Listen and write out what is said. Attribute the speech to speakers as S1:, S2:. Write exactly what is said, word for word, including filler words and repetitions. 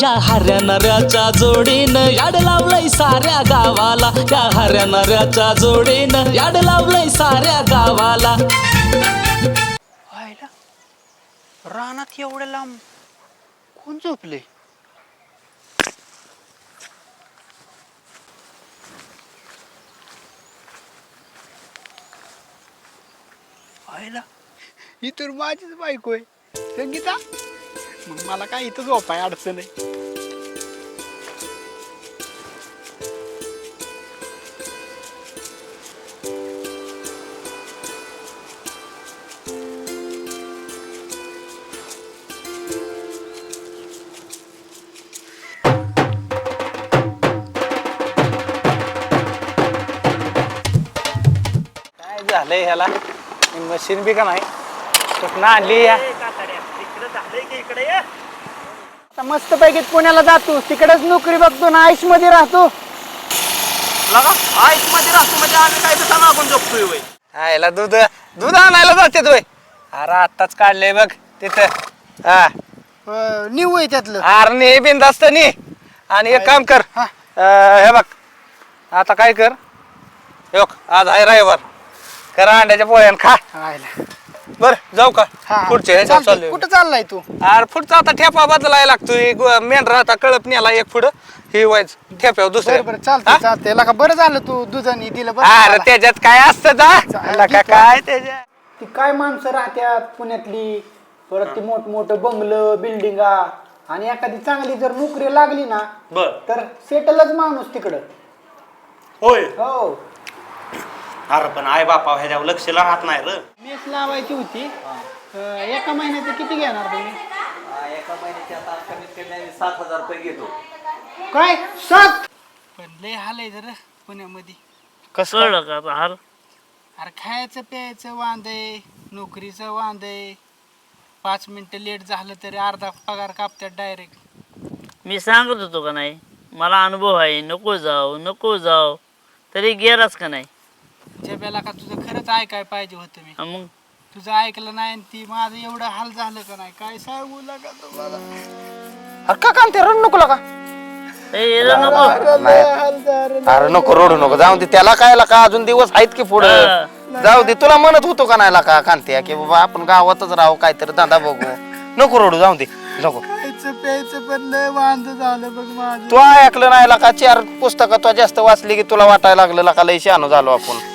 S1: या हऱ्या नऱ्याच्या जोडीनं याड लावलंय साऱ्या गावाला, या हऱ्या नऱ्याच्या जोडीनं याड लावलंय साऱ्या गावाला.
S2: आयला रानात एवढ्या लांब कोण झोपले? आयला ही तर माझीच बायको आहे संगीता. मग मला काय इथं झोपाय अडचण आहे. काय झालंय ह्याला? मशीन बी का नाही कुठं आणली या? आता मस्त पैकी पुण्याला जातो, तिकडेच नोकरी बघतो ना, आयुष मध्ये राहतो.
S3: आईस मध्ये राहतो म्हणजे आम्ही काय तर मागून झोपतोय वय.
S2: आयला दूध दूध आणायला जाते तोय. अरे आत्ताच काढले बघ तिथं. हा
S4: निव आहे त्यातलं.
S2: अरे ने बिंदास्त नी. आणि एक काम कर, अं, हे बघ आता काय कर, हे बघ आज आहे रविवार, करा अंड्याच्या पोळ्यान खा.
S4: आयला.
S2: बर जाऊ का?
S4: हा, हा.
S2: पुढच्या ह्याच्यात
S4: चालतंय.
S2: चाललोय.
S4: कुठं चाललाय तू?
S2: अरे पुढचा आता ठेपा बदलायला लागतोय. मेंढरा आता कळप नेला एक पुढं, हे व्हायचं ठेप्यावर
S4: बरं
S2: दुसरं.
S4: बरं चालतंय चालतंय. लका बरं झालं तू दुधानी दिलं बरं
S2: अरे
S4: मला.
S2: त्याच्यात काय असतं जा
S4: चालेल,
S2: का काय त्याच्यात.
S4: ती काय माणसं राहत्यात पुण्यातली, परत ती मोठमोठं बंगलं बिल्डिंगा, आणि एखादी चांगली जर नोकरी लागली ना
S3: बर
S4: तर सेटलच माणूस तिकडं.
S3: होय.
S4: हो.
S3: अरे पण आई बापा ह्याच्यावर लक्ष राहत नाही र.
S4: मेस लावायची होती. अं, एका महिन्याचं किती घेणार तुम्ही?
S5: एका महिन्याची आता कमीत कमी आम्ही सात हजार रुपये घेतो.
S4: काय सात? पण लय हाल आहे जरा पुण्यामध्ये.
S2: कसं
S1: कळलं का आता हार?
S4: अरे खायचं प्यायचं वांद आहे, नोकरीचं वांद आहे. पाच मिनिटं लेट झालं तरी अर्धा पगार कापतात डायरेक्ट.
S6: मी सांगत होतो का नाही, मला अनुभव आहे, नको जाऊ नको जाऊ, तरी गेलाच का नाही.
S4: जब्याला का तुझं खरंच ऐकाय पाहिजे होतं मी.
S6: हा मग
S4: तुझं ऐकलं नाही आणि ती माझं एवढं हाल झालं का नाही काय सांगू लागा तुम्हाला.
S2: अरे का काम ते रडू नको का?
S6: ए, याला नको.
S2: अरे नको रडू नको, जाऊ दे त्याला काय का अजून दिवस आहेत की पुढे. जाऊ दे, तुला म्हणत होतो का नाही का कांत्या की बाबा आपण गावातच राहू, काहीतरी धंदा बघू. नको रडू, जाऊ दे नको.
S4: खायचं प्यायचं पण लय वांद झालं बघ माझं.
S2: तू ऐकलं नाही का? चार पुस्तकं तू जास्त वाचली की तुला वाटायला लागलं का लय शहाणू झालो आपण.